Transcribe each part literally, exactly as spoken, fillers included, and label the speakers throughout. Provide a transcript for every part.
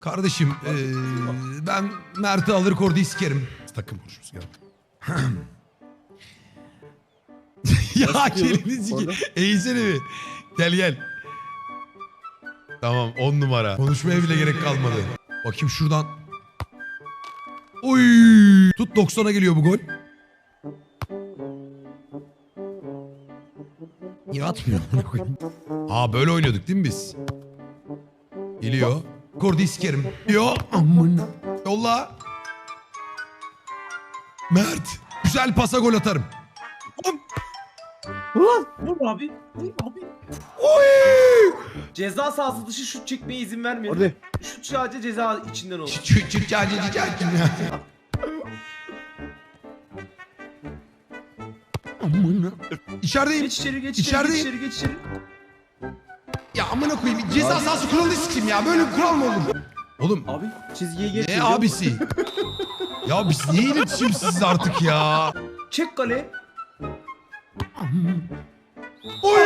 Speaker 1: Kardeşim ee, ben Mert'i alır Kordi'yi sikerim. Takım konuşuruz gel. Ya keliniz ki. Eğsene bir. Gel gel. Tamam on numara. Konuşmaya bile gerek kalmadı. Bakayım şuradan. Oy! Tut doksana geliyor bu gol. Niye atmıyor? Aa böyle oynuyorduk değil mi biz? Geliyor. Kordi'yi sikerim. Yo amına. Yolla. Mert. Güzel pasa gol atarım.
Speaker 2: Vur abi. Vur abi.
Speaker 1: Oy!
Speaker 2: Ceza sahası dışı şut çekmeye izin vermiyor.
Speaker 3: Orada.
Speaker 2: Şut sadece ceza içinden olur.
Speaker 1: Çık çık çık ya. Amına. İçerideyim.
Speaker 2: Geç içeri geç içeri
Speaker 1: İçerideyim.
Speaker 2: geç içeri geç içeri.
Speaker 1: Ya amına koyayım. Ceza sahası kuralını sikeyim ya. Böyle bir kural mı olur? Oğlum
Speaker 2: Abi
Speaker 3: Çizgiye geç.
Speaker 1: ne abisi? Ya biz niye iletişimsiz artık ya?
Speaker 2: çek kale.
Speaker 1: Oy!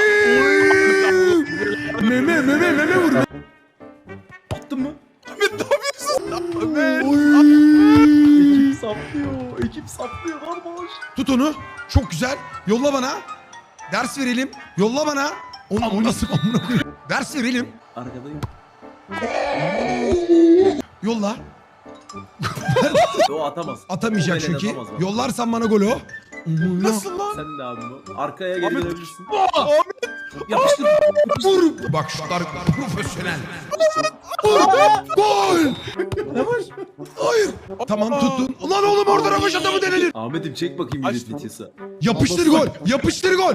Speaker 1: Meme meme meme vur.
Speaker 2: Attın mı?
Speaker 1: Oy!
Speaker 2: Ekip saplıyor. Ekip saplıyor kardeş.
Speaker 1: Tut onu. Çok güzel. Yolla bana. Ders verelim. Yolla bana. Onu, o nasıl amına koyayım? Ders verelim.
Speaker 2: Arkadayım.
Speaker 1: Yolla.
Speaker 2: O atamaz.
Speaker 1: Atamayacak
Speaker 2: O belen
Speaker 1: çünkü.
Speaker 2: atamaz bak.
Speaker 1: Yollarsan bana golü o.
Speaker 4: Nasıl lan?
Speaker 2: Sen de abi bu. Arkaya geri
Speaker 4: Ahmet.
Speaker 2: dönebilirsin.
Speaker 4: Ahmet.
Speaker 2: Yapıştır.
Speaker 1: Vur. Bak şutlar profesyonel. Gol. Hayır. Tamam tuttun. Ulan oğlum orada rövaş adamı denilir.
Speaker 2: Ahmet'im çek bakayım
Speaker 4: Aç.
Speaker 2: millet vitesi.
Speaker 1: Yapıştır gol. Yapıştır gol.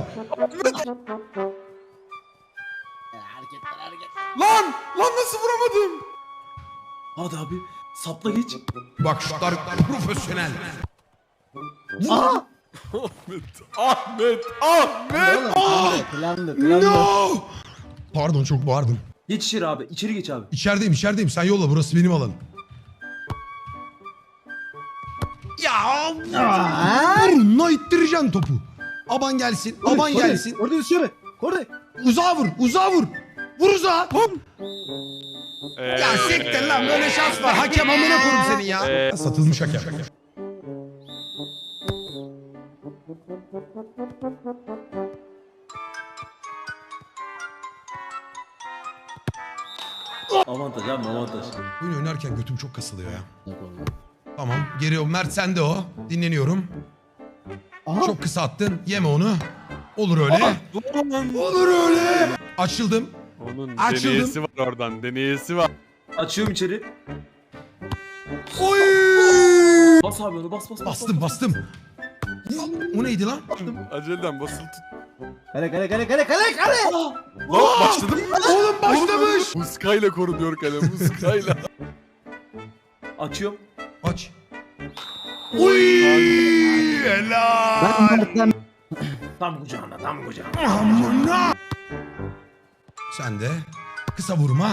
Speaker 4: Lan! Lan nasıl vuramadım?
Speaker 2: Hadi abi. Sapla geç.
Speaker 1: Bak şutlar profesyonel.
Speaker 3: Aa!
Speaker 4: Ahmet. Ahmet. Ahmet.
Speaker 3: Planlı, planlı.
Speaker 1: No. Pardon çok bağırdım.
Speaker 2: Geç içeri abi. İçeri geç abi.
Speaker 1: İçerideyim içerideyim. Sen yolla burası benim alanım. Ya burnuna ittireceksin topu. Aban gelsin. Aban gelsin.
Speaker 3: Orada dışarı. Orada.
Speaker 1: Uzağa vur. Uzağa vur. Vur uzağa.
Speaker 4: Ee,
Speaker 1: Ya siktir lan böyle şans var. Hakem amına koyayım senin ya.
Speaker 4: Ee.
Speaker 1: Satılmış hakem.
Speaker 2: Avantaj abi avantaj.
Speaker 1: Oyun oynarken götüm çok kasılıyor ya. Tamam geri o. Mert sende o. Dinleniyorum.
Speaker 3: Aha.
Speaker 1: Çok kısa attın. Yeme onu. Olur öyle.
Speaker 4: Lan.
Speaker 1: Olur öyle. Açıldım.
Speaker 4: Onun
Speaker 1: Açıldım.
Speaker 4: deneyesi var oradan. Deneyesi var.
Speaker 2: Açıyorum içeri.
Speaker 1: Oy!
Speaker 2: Bas abi onu bas bas. bas,
Speaker 1: Bastım
Speaker 2: bas.
Speaker 1: bastım. O neydi lan?
Speaker 4: Aceleden basılı tut.
Speaker 3: Kale kale kale kale kale kale.
Speaker 2: Ah!
Speaker 4: Lan başladım.
Speaker 1: Oğlum başlamış.
Speaker 4: Muskayla korunuyor kale. Muskayla.
Speaker 2: Açıyorum.
Speaker 1: Aç. Oy! Helal.
Speaker 3: Mert'ten
Speaker 2: Tam kucağına tam kucağına.
Speaker 1: Amına. Sen de kısa vurma.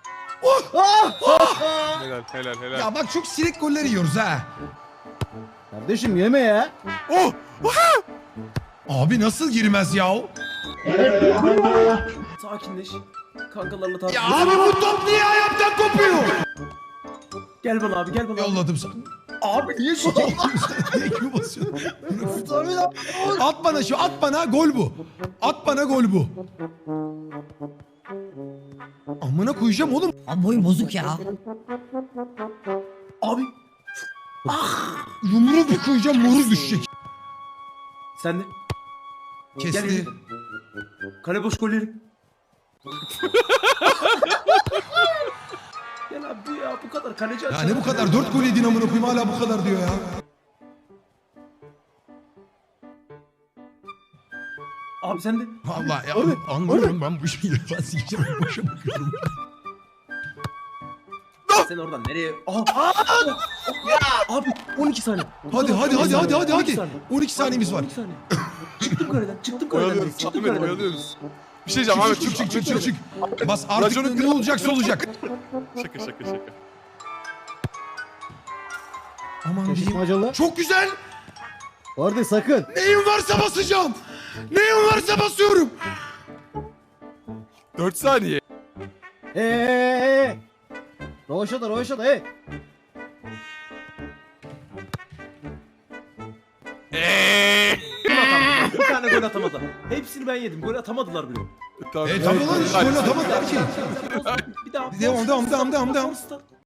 Speaker 4: helal helal helal.
Speaker 1: Ya bak çok sinek golleri yiyoruz ha.
Speaker 3: Kardeşim yeme ya.
Speaker 4: Oh!
Speaker 1: Abi nasıl girmez ya?
Speaker 2: Sakinleş. Kankalarla tartış.
Speaker 1: Ya abi bu top niye ayaktan kopuyor?
Speaker 2: Gel bana abi gel bana. abi.
Speaker 1: Yolladım sana.
Speaker 2: Abi niye şu
Speaker 1: Ekmeği basıyorsun. At bana şu at bana gol bu. At bana gol bu. Amına koyacağım oğlum.
Speaker 5: Abi boyun bozuk ya.
Speaker 2: Abi
Speaker 1: Yumruğu bir koyacağım moru düşecek.
Speaker 2: sen de. Gel
Speaker 1: Kesti.
Speaker 2: gel. Kale boş gollerim. Gel abi bu ya bu kadar kaleci
Speaker 1: Ya
Speaker 2: açar.
Speaker 1: ne bu kadar? Dört gol yedin amına koyayım hala bu kadar diyor ya.
Speaker 2: Abi sen de.
Speaker 1: Vallahi ya anlıyorum ben bu işi ben sikeceğim boşa bakıyorum.
Speaker 2: Sen oradan nereye? Aha. Ya abi on iki saniye.
Speaker 1: Hadi hadi hadi hadi hadi
Speaker 2: on iki
Speaker 1: hadi.
Speaker 2: saniye.
Speaker 1: on iki saniyemiz var.
Speaker 2: on iki saniye. Çıktım kaleden çıktım kaleden.
Speaker 4: Oyalıyoruz.
Speaker 2: Çıktım
Speaker 4: Ahmet
Speaker 2: kaleden.
Speaker 4: oyalıyoruz. Bir şey diyeceğim Ahmet.
Speaker 1: Çık çık çık çık çık. Bas artık
Speaker 4: Raconun
Speaker 1: ne olacaksa olacak.
Speaker 4: Şaka şaka şaka.
Speaker 1: Aman diyeyim.
Speaker 3: Şaşırtmacalı.
Speaker 1: Çok güzel.
Speaker 3: Orada sakın.
Speaker 1: Neyim varsa basacağım. Neyim varsa basıyorum.
Speaker 4: dört saniye.
Speaker 3: Eee. Rovaşata rovaşata hey.
Speaker 4: Eee.
Speaker 2: Gol atamadı. Bir tane gol atamadı. Hepsini ben yedim. Gol atamadılar bile.
Speaker 4: Tamam.
Speaker 1: E tamam lan hiç gol atamadılar ki.
Speaker 2: Bir daha.
Speaker 1: Devam, devam, devam, devam, devam.
Speaker 2: Start.